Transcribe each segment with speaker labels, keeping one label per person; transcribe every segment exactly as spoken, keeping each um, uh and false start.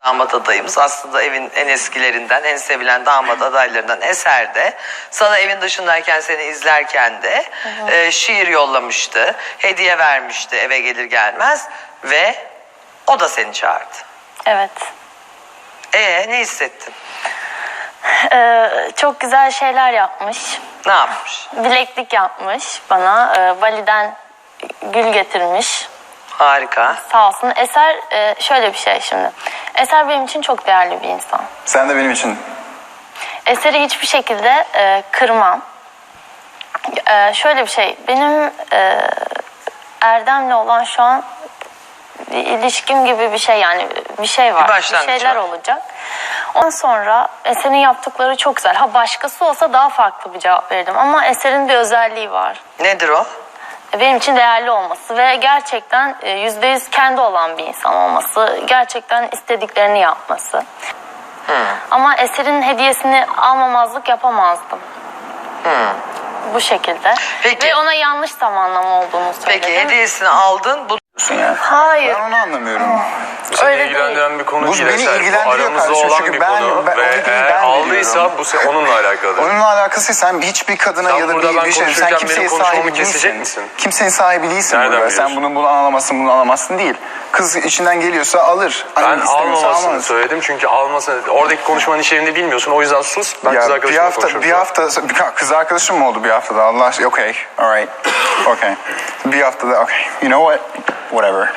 Speaker 1: Damat adayımız aslında evin en eskilerinden, en sevilen damat adaylarından Eser de sana evin dışındayken, seni izlerken de e, şiir yollamıştı, hediye vermişti eve gelir gelmez ve o da seni çağırdı.
Speaker 2: Evet.
Speaker 1: Ee ne hissettin?
Speaker 2: Ee, çok güzel şeyler yapmış.
Speaker 1: Ne yapmış?
Speaker 2: Bileklik yapmış bana. Ee, Bali'den gül getirmiş.
Speaker 1: Harika.
Speaker 2: Sağ olsun. Eser e, şöyle bir şey şimdi. Eser benim için çok değerli bir insan.
Speaker 3: Sen de benim için.
Speaker 2: Eser'i hiçbir şekilde e, kırmam. E, şöyle bir şey. Benim e, Erdem'le olan şu an bir ilişkim gibi bir şey, yani bir şey var.
Speaker 1: Bir
Speaker 2: Bir,
Speaker 1: başlangıç
Speaker 2: şeyler
Speaker 1: var.
Speaker 2: olacak. Ondan sonra Eser'in yaptıkları çok güzel. Ha başkası olsa daha farklı bir cevap verirdim. Ama Eser'in bir özelliği var.
Speaker 1: Nedir o?
Speaker 2: Benim için değerli olması ve gerçekten yüzde yüz kendi olan bir insan olması. Gerçekten istediklerini yapması.
Speaker 1: Hmm.
Speaker 2: Ama Eser'in hediyesini almamazlık yapamazdım.
Speaker 1: Hmm.
Speaker 2: Bu şekilde.
Speaker 1: Peki.
Speaker 2: Ve ona yanlış zamanlama olduğunu söyledim.
Speaker 1: Peki hediyesini aldın. Bu...
Speaker 3: Ya.
Speaker 2: Hayır.
Speaker 3: Ben onu anlamıyorum.
Speaker 4: Bu seni
Speaker 2: Öyle
Speaker 4: ilgilendiren
Speaker 2: değil.
Speaker 4: bir konu
Speaker 3: Bu
Speaker 4: değil.
Speaker 3: beni
Speaker 4: Eser. Bu
Speaker 3: ilgilendiriyor
Speaker 4: aramızda
Speaker 3: kardeşim.
Speaker 4: olan
Speaker 3: Çünkü
Speaker 4: bir
Speaker 3: ben-
Speaker 4: konu
Speaker 3: ben-
Speaker 4: ve
Speaker 3: o hediyeyi
Speaker 4: eğer
Speaker 3: ben
Speaker 4: aldıysa
Speaker 3: veriyorum.
Speaker 4: bu se- onunla alakalı.
Speaker 3: Onunla alakası sen hiçbir kadına
Speaker 4: Sen
Speaker 3: ya da
Speaker 4: burada
Speaker 3: bir,
Speaker 4: ben
Speaker 3: bir şey sen
Speaker 4: konuşurken
Speaker 3: kimseye
Speaker 4: benim konuşmamı
Speaker 3: sahibi
Speaker 4: kesecek
Speaker 3: değilsin.
Speaker 4: misin?
Speaker 3: Kimsenin sahibi değilsin
Speaker 4: Nereden
Speaker 3: burada. Sen
Speaker 4: biliyorsun?
Speaker 3: bunu bunu alamazsın, bunu alamazsın değil. Kız içinden geliyorsa alır.
Speaker 4: Ben
Speaker 3: Hani istemiyorsa
Speaker 4: almamasını
Speaker 3: almaz.
Speaker 4: söyledim çünkü almasını, oradaki konuşmanın içeriğini bilmiyorsun. O yüzden sus, ben kız
Speaker 3: Ya bir
Speaker 4: arkadaşımla
Speaker 3: hafta,
Speaker 4: konuşurum.
Speaker 3: bir hafta, bir kız arkadaşım mı oldu bir haftada? Allah aşkına, okay, alright, okay. Bir haftada, okay, you know what, whatever.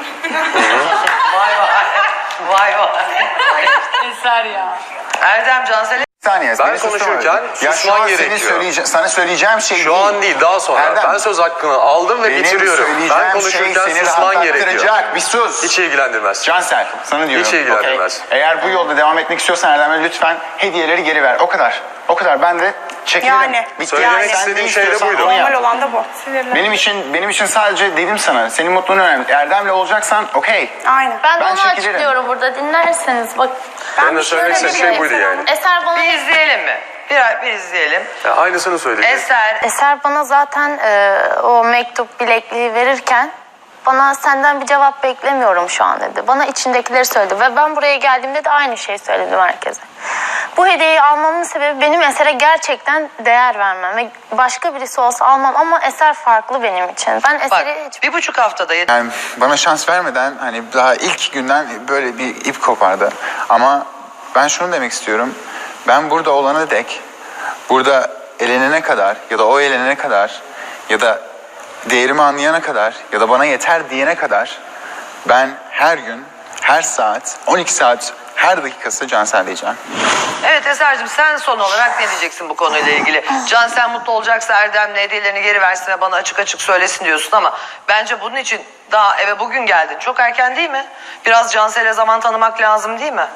Speaker 1: Vay vay. Vay vay.
Speaker 2: Eser ya.
Speaker 1: Erdem Cansel'e...
Speaker 3: Bir saniye,
Speaker 4: Ben
Speaker 3: beni susturma.
Speaker 4: konuşurken
Speaker 3: Ya şu
Speaker 4: susman
Speaker 3: an senin
Speaker 4: gerekiyor.
Speaker 3: söyleyece- sana söyleyeceğim şey
Speaker 4: Şu
Speaker 3: değil.
Speaker 4: an değil, daha sonra.
Speaker 3: Erdem,
Speaker 4: ben söz hakkını aldım ve
Speaker 3: benim
Speaker 4: bitiriyorum.
Speaker 3: söyleyeceğim
Speaker 4: Ben
Speaker 3: şey
Speaker 4: konuşurken
Speaker 3: seni
Speaker 4: susman gerekiyor.
Speaker 3: rahatlattıracak. Bir sus.
Speaker 4: Hiç ilgilendirmez.
Speaker 3: Cansel, sana diyorum.
Speaker 4: Hiç ilgilendirmez.
Speaker 3: okey? Eğer bu yolda devam etmek istiyorsan Erdem'e lütfen hediyeleri geri ver. O kadar. O kadar. Ben de çekilirim.
Speaker 5: Yani.
Speaker 3: Bitti.
Speaker 4: Söylemek
Speaker 3: Sen
Speaker 4: istediğim
Speaker 3: ne
Speaker 4: şey de
Speaker 3: istiyorsan
Speaker 4: buydu.
Speaker 3: onu yap.
Speaker 5: Normal olan da bu.
Speaker 3: Benim için benim için sadece dedim sana. Senin mutluluğun önemli. Erdem'le olacaksan okey.
Speaker 5: Aynen.
Speaker 2: Ben,
Speaker 3: Ben
Speaker 2: onu
Speaker 3: çekilirim.
Speaker 2: açıklıyorum burada, dinlerseniz. Bak,
Speaker 4: Ben de
Speaker 5: bir
Speaker 4: söylemek
Speaker 5: şöyle
Speaker 4: istediğim şey
Speaker 5: bir-
Speaker 4: buydu yani.
Speaker 2: Eser bana
Speaker 1: Bir izleyelim mi? Bir, bir izleyelim.
Speaker 4: Ya aynısını söyleyeceğim.
Speaker 1: Eser...
Speaker 2: Eser bana zaten e, o mektup bilekliği verirken bana senden bir cevap beklemiyorum şu an dedi. Bana içindekileri söyledi ve ben buraya geldiğimde de aynı şeyi söyledim herkese. Bu hediyeyi almamın sebebi benim Eser'e gerçekten değer vermem ve başka birisi olsa almam ama Eser farklı benim için. Ben
Speaker 1: Bak
Speaker 2: Eser'i hiç...
Speaker 1: bir buçuk haftada...
Speaker 3: Yani bana şans vermeden hani daha ilk günden böyle bir ip kopardı. Ama ben şunu demek istiyorum. Ben burada olana dek, burada elenene kadar ya da o elenene kadar ya da değerimi anlayana kadar ya da bana yeter diyene kadar ben her gün, her saat, on iki saat, her dakikası Cansel diyeceğim.
Speaker 1: Evet Eser'cim, sen son olarak ne diyeceksin bu konuyla ilgili? Cansel mutlu olacaksa Erdem'le hediyelerini geri versin ve bana açık açık söylesin diyorsun ama bence bunun için daha eve bugün geldin. Çok erken değil mi? Biraz Cansel'e zaman tanımak lazım değil mi?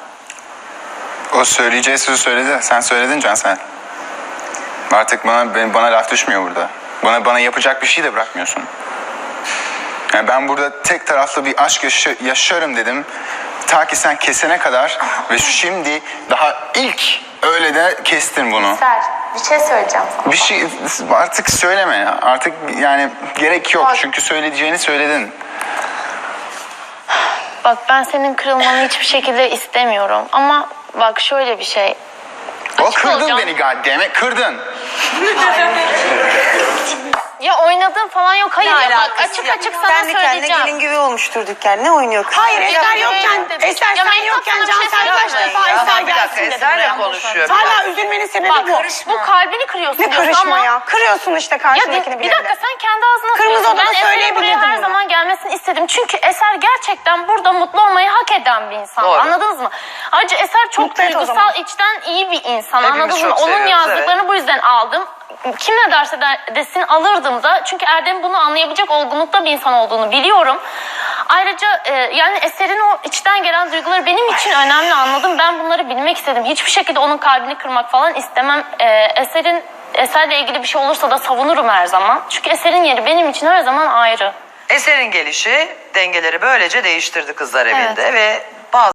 Speaker 3: O söyleyeceği sözü söyledi. Sen söyledin Cansel. Artık bana ben- bana laf düşmüyor burada. Bana bana yapacak bir şey de bırakmıyorsun. Yani ben burada tek taraflı bir aşk yaşa- yaşarım dedim. Ta ki sen kesene kadar ve şimdi daha ilk öyle de kestin bunu.
Speaker 2: Eser, bir şey söyleyeceğim sana.
Speaker 3: Bir şey artık söyleme ya. Artık yani gerek yok. Çünkü söyleyeceğini söyledin.
Speaker 2: Bak, ben senin kırılmanı hiçbir şekilde istemiyorum ama bak şöyle bir şey.
Speaker 3: O
Speaker 2: Açık
Speaker 3: kırdın
Speaker 2: olacağım.
Speaker 3: beni goddammit. Kırdın.
Speaker 2: Ya oynadığım falan yok. Hayır
Speaker 5: Ne
Speaker 2: ya, bak
Speaker 5: alakası
Speaker 2: açık
Speaker 5: yok?
Speaker 2: açık sana
Speaker 5: Kendi kendine
Speaker 2: söyleyeceğim.
Speaker 5: gelin gibi olmuştur dükkan. Ne oynuyor kız?
Speaker 6: Hayır,
Speaker 2: Ya
Speaker 6: Eser
Speaker 2: ben
Speaker 6: yokken,
Speaker 2: öyle-
Speaker 6: Eser
Speaker 2: Ya
Speaker 6: sen
Speaker 2: Mehtap
Speaker 6: yokken
Speaker 2: sana bir şey
Speaker 6: Cansel kaç
Speaker 2: söyleyeyim
Speaker 6: defa
Speaker 2: mi?
Speaker 1: Ya
Speaker 6: Eser
Speaker 1: bir dakika,
Speaker 6: gelsin dedi
Speaker 1: Eser'le
Speaker 6: buraya.
Speaker 1: konuşuyor.
Speaker 6: Hala üzülmenin sebebi
Speaker 2: Bak,
Speaker 6: bu.
Speaker 2: bu kalbini kırıyorsun
Speaker 5: Ne
Speaker 2: diyorsun
Speaker 5: karışma
Speaker 2: ama...
Speaker 5: ya? Kırıyorsun işte
Speaker 2: Ya
Speaker 5: karşındakini
Speaker 2: bir,
Speaker 5: bir
Speaker 2: bir dakika, sen kendi ağzına
Speaker 6: Kırmızı
Speaker 2: söylüyorsun.
Speaker 6: odada
Speaker 2: Ben Eser'in buraya
Speaker 6: söyleyebilirdin
Speaker 2: her
Speaker 6: bunu.
Speaker 2: zaman gelmesini istedim. Çünkü Eser gerçekten burada mutlu olmayı hak eden bir insan.
Speaker 1: Doğru.
Speaker 2: Anladınız mı? Ayrıca Eser çok
Speaker 5: Mutlu et o
Speaker 2: duygusal,
Speaker 5: zaman.
Speaker 2: içten iyi bir insan.
Speaker 1: Hepimiz
Speaker 2: Anladınız mı?
Speaker 1: çok
Speaker 2: Onun
Speaker 1: seviyoruz,
Speaker 2: yazdıklarını bu yüzden aldım. Kim ne derse de, desin alırdım da. Çünkü Erdem bunu anlayabilecek olgunlukta bir insan olduğunu biliyorum. Ayrıca e, yani Eser'in o içten gelen duyguları benim için önemli, anladım. Ben bunları bilmek istedim. Hiçbir şekilde onun kalbini kırmak falan istemem. E, Eser'in Eser'le ilgili bir şey olursa da savunurum her zaman. Çünkü Eser'in yeri benim için her zaman ayrı.
Speaker 1: Eser'in gelişi dengeleri böylece değiştirdi kızlar evinde ve